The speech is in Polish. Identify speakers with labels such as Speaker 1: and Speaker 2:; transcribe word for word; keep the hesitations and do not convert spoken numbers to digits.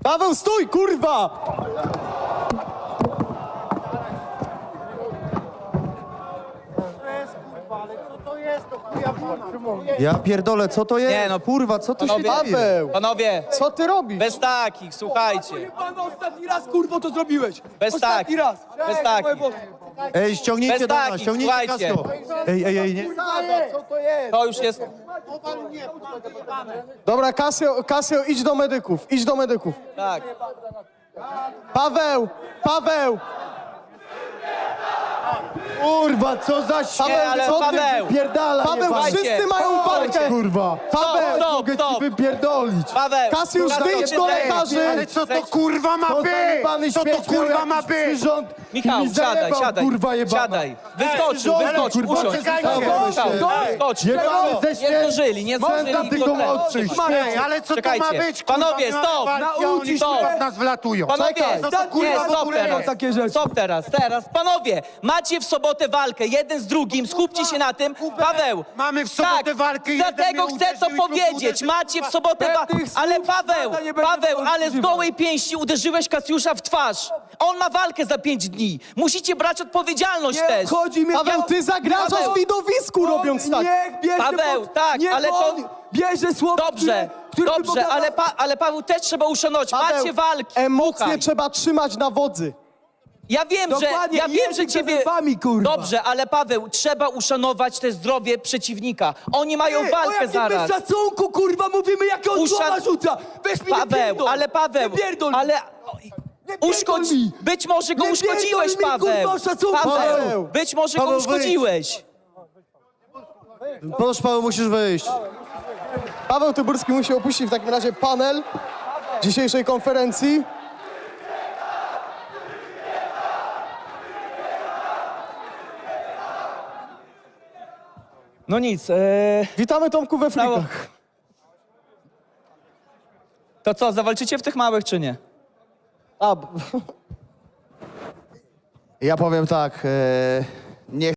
Speaker 1: Paweł, stój, kurwa!
Speaker 2: Ja pierdolę, co to jest?
Speaker 3: Nie, no,
Speaker 2: kurwa, co tu się
Speaker 3: panowie,
Speaker 2: dzieje?
Speaker 1: Paweł,
Speaker 3: Panowie,
Speaker 1: co ty robisz?
Speaker 3: bez takich, słuchajcie.
Speaker 4: Pan ostatni raz, kurwo, to zrobiłeś.
Speaker 3: Bez
Speaker 4: Ostatni
Speaker 3: takich,
Speaker 4: raz.
Speaker 3: bez
Speaker 4: Ej,
Speaker 3: takich.
Speaker 4: moje Boże.
Speaker 2: Ej, ściągnijcie
Speaker 3: Bez
Speaker 2: do nas,
Speaker 3: takich,
Speaker 2: ściągnijcie
Speaker 3: słuchajcie.
Speaker 2: Casio. Ej, ej, ej, nie.
Speaker 3: To już jest...
Speaker 1: Dobra, Casio, Casio, idź do medyków, idź do medyków.
Speaker 3: Tak.
Speaker 1: Paweł, Paweł!
Speaker 2: Kurwa, co za śmiech!
Speaker 3: Nie, ale
Speaker 1: co ty
Speaker 3: Paweł,
Speaker 2: Pierdala,
Speaker 1: Paweł,
Speaker 3: Słuchajcie,
Speaker 1: wszyscy mają walkę!
Speaker 2: kurwa!
Speaker 1: Paweł,
Speaker 3: stop,
Speaker 2: Mogę ci
Speaker 3: stop.
Speaker 2: wypierdolić!
Speaker 3: Paweł,
Speaker 1: Kasiusz,
Speaker 3: Paweł,
Speaker 1: wyjdź
Speaker 3: się
Speaker 1: do
Speaker 3: zajmie.
Speaker 1: lekarzy!
Speaker 5: Ale co to kurwa ma
Speaker 2: Co za
Speaker 5: być?
Speaker 2: jebany
Speaker 5: Co to
Speaker 2: śmieć miał
Speaker 5: kurwa ma
Speaker 2: jakiś
Speaker 5: być?
Speaker 2: przyrząd i
Speaker 3: Michał,
Speaker 2: mi
Speaker 3: siadaj,
Speaker 2: zajebał,
Speaker 3: siadaj,
Speaker 2: kurwa jebana.
Speaker 3: siadaj. Wyskoczył,
Speaker 2: Ale,
Speaker 3: wyskoczył,
Speaker 2: kurwa,
Speaker 3: usiądź.
Speaker 2: czekajcie.
Speaker 3: Michał,
Speaker 2: Czekajcie.
Speaker 3: wyskoczył.
Speaker 2: Jebany ze
Speaker 3: Nie
Speaker 2: śmierci!
Speaker 3: zdążyli, nie
Speaker 2: Centa
Speaker 3: zdążyli.
Speaker 2: tylko
Speaker 3: go ten-
Speaker 2: młodszych!
Speaker 5: Ej, ale co to ma
Speaker 3: Czekajcie.
Speaker 5: być? Kurwa,
Speaker 3: Panowie,
Speaker 5: miałem
Speaker 3: stop.
Speaker 5: walki, a oni
Speaker 3: Nauczyć
Speaker 5: kurwa
Speaker 3: się.
Speaker 5: w nas wlatują.
Speaker 3: Panowie,
Speaker 1: Czekaj.
Speaker 5: Co to kurwa
Speaker 3: nie,
Speaker 5: w
Speaker 3: stop
Speaker 5: ogóle
Speaker 3: teraz.
Speaker 5: jest?
Speaker 4: Takie rzeczy.
Speaker 3: Stop teraz, teraz. Panowie, macie w sobotę walkę, jeden z drugim, skupcie się na tym. Paweł,
Speaker 5: Mamy w sobotę
Speaker 3: tak,
Speaker 5: walkę, jeden
Speaker 3: dlatego
Speaker 5: mnie
Speaker 3: chcę to
Speaker 5: uderzył i drugi
Speaker 3: powiedzieć.
Speaker 5: uderzył.
Speaker 3: Macie w sobotę walkę.
Speaker 4: Pewnych
Speaker 3: Ale
Speaker 4: słów
Speaker 3: Paweł,
Speaker 4: lata nie będzie
Speaker 3: Paweł,
Speaker 4: wolno
Speaker 3: ale z
Speaker 4: używać.
Speaker 3: gołej pięści uderzyłeś Kasiusza w twarz. On ma walkę za pięć dni. Musicie brać odpowiedzialność
Speaker 4: Nie
Speaker 3: też.
Speaker 4: chodzi mi...
Speaker 1: Paweł, ty zagrażasz
Speaker 3: Paweł.
Speaker 1: widowisku robiąc tak.
Speaker 4: Niech bierze
Speaker 3: Paweł,
Speaker 4: pod...
Speaker 3: tak,
Speaker 4: niech
Speaker 3: ale to-
Speaker 4: on bierze słowo,
Speaker 3: Dobrze,
Speaker 4: które, które
Speaker 3: dobrze, ale, pa, ale Paweł też trzeba uszanować.
Speaker 1: Paweł,
Speaker 3: Macie walki.
Speaker 1: emocje
Speaker 3: Słuchaj.
Speaker 1: trzeba trzymać na wodzy.
Speaker 3: Ja wiem, że
Speaker 4: Dokładnie,
Speaker 3: ja
Speaker 4: i
Speaker 3: wiem, że
Speaker 4: język za
Speaker 3: ciebie.
Speaker 4: zębami, kurwa.
Speaker 3: Dobrze, ale Paweł, trzeba uszanować te zdrowie przeciwnika. Oni mają
Speaker 4: Ej, o
Speaker 3: walkę
Speaker 4: jakim
Speaker 3: zaraz.
Speaker 4: szacunku, kurwa, mówimy, jakie on
Speaker 3: Uszan-
Speaker 4: słowa rzuca. Weź mi nie
Speaker 3: Paweł,
Speaker 4: pierdol.
Speaker 3: ale Paweł,
Speaker 4: Nie pierdol.
Speaker 3: ale
Speaker 4: pierdol
Speaker 3: uszkodź.
Speaker 4: mi.
Speaker 3: Być może go
Speaker 4: Nie
Speaker 3: uszkodziłeś,
Speaker 4: pierdol mi,
Speaker 3: Paweł.
Speaker 4: kurwa, o szacunku.
Speaker 3: Paweł,
Speaker 1: Paweł.
Speaker 3: być może
Speaker 2: Paweł,
Speaker 3: go
Speaker 2: wyjdź.
Speaker 3: uszkodziłeś.
Speaker 2: Proszę, Paweł, musisz wyjść.
Speaker 1: Paweł Tyburski musi opuścić w takim razie panel dzisiejszej konferencji.
Speaker 3: No nic, ee,
Speaker 1: Witamy Tomku we
Speaker 3: Brawo.
Speaker 1: frikach.
Speaker 3: to co, zawalczycie w tych małych czy nie?
Speaker 1: A, b-
Speaker 2: Ja powiem tak, e, nie